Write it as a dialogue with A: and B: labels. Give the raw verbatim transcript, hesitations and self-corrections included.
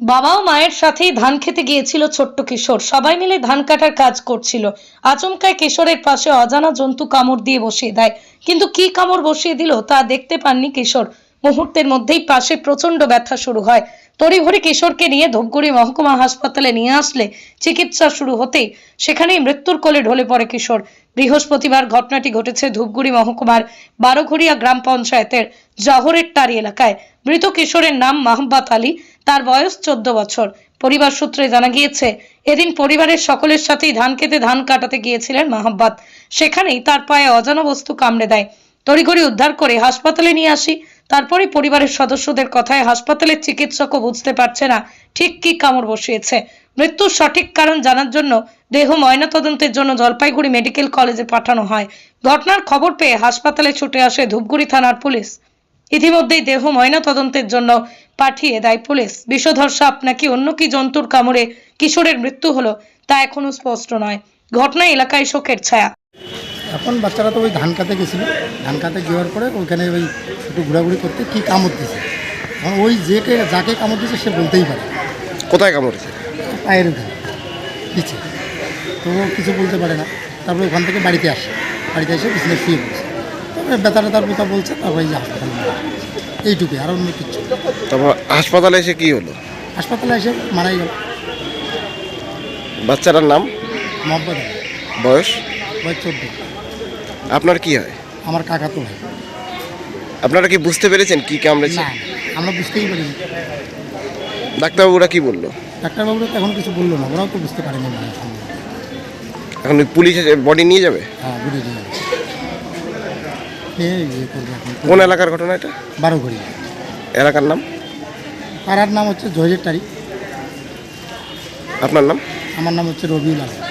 A: বাবা ও মায়ের সাথেই ধান খেতে গিয়েছিল ছোট্ট কিশোর। সবাই মিলে ধান কাটার কাজ করছিল। আচমকায় কিশোরের পাশে অজানা জন্তু কামড় দিয়ে বসিয়ে দেয়। কিন্তু কি কামড় বসিয়ে দিল তা দেখতে পাননি কিশোর। মুহূর্তের মধ্যেই পাশে প্রচন্ড ব্যথা শুরু হয়। তড়িঘড়ি কিশোরকে নিয়ে ধূপগুড়ি মহকুমা হাসপাতালে নিয়ে আসলে চিকিৎসা শুরু হতেই সেখানেই মৃত্যুর কোলে ঢলে পড়ে কিশোর। বৃহস্পতিবার ঘটনাটি ঘটেছে ধূপগুড়ি মহকুমার বারোঘড়িয়া গ্রাম পঞ্চায়েতের জহরের টারি এলাকায়। মৃত কিশোরের নাম মাহবাত আলী। তার বয়স চোদ্দ বছর। পরিবার সূত্রে জানা গিয়েছে, এদিন পরিবারের সকলের সাথেই ধান খেতে ধান কাটাতে গিয়েছিলেন মাহবাত। সেখানেই তার পায়ে অজানা বস্তু কামড়ে দেয়। তড়িঘড়ি উদ্ধার করে হাসপাতালে নিয়ে আসি। তারপরে পরিবারের সদস্যদের কথায় হাসপাতালের চিকিৎসকও বুঝতে পারছে না ঠিক কি কামড় বসিয়েছে। মৃত্যুর সঠিক কারণ জানার জন্য দেহ ময়নাতদন্তের জন্য জলপাইগুড়ি মেডিকেল কলেজে পাঠানো হয়। ঘটনার খবর পেয়ে হাসপাতালে ছুটে আসে ধূপগুড়ি থানার পুলিশ। ইতিমধ্যেই দেহ ময়নাতদন্তের জন্য পাঠিয়ে দেয় পুলিশ। বিষধর সাপ নাকি অন্য কি জন্তুর কামড়ে কিশোরের মৃত্যু হলো তা এখনো স্পষ্ট নয়। ঘটনায় এলাকায় শোকের ছায়া।
B: এখন বাচ্চারা তো ওই ধান কাটতে গেছিল, ধান কাটতে যাওয়ার পরে ওইখানে ওই একটু ঘোরাঘুরি করতে কী কামড় দিয়েছে। এখন ওই যে যাকে কামড় দিয়েছে সে বলতেই পারে।
C: কোথায় কামড়েছে?
B: পায়ের ওখানে পিছিয়ে, তো ও কিছু বলতে পারে না। তারপরে ওখান থেকে বাড়িতে আসে, বাড়িতে এসে বিছানায় শুয়ে পড়ছে। তারপরে ব্যথা ব্যথার কথা বলছে, তারপরে এই যে হাসপাতালে নিয়ে আসে। এইটুকুই, আর অন্য কিচ্ছু।
C: তারপর হাসপাতালে এসে কি হলো?
B: হাসপাতালে এসে মারাই গেল।
C: বাচ্চাটার নাম?
B: মহব্বত আলী।
C: বয়স?
B: বয়স চোদ্দ।
C: আপনার কি হয়?
B: আমার কাকা তো ভাই।
C: আপনারা কি বুঝতে পেরেছেন কি কামড়েছে?
B: না, আমরা বুঝতেই পারিনি।
C: ডাক্তারবাবুরা কি বললো?
B: ডাক্তারবাবুরা তো এখন কিছু বললো না, ওরাও তো বুঝতে পারেনি।
C: এখন পুলিশ বডি নিয়ে যাবে?
B: হ্যাঁ, বুঝে দিয়ে ইয়ে করবে এখন।
C: কোন এলাকার ঘটনা এটা?
B: বারোঘড়ি।
C: এলাকার নাম?
B: পাড়ার নাম হচ্ছে জহরের টারি।
C: আপনার নাম?
B: আমার নাম হচ্ছে রবিউল আলম।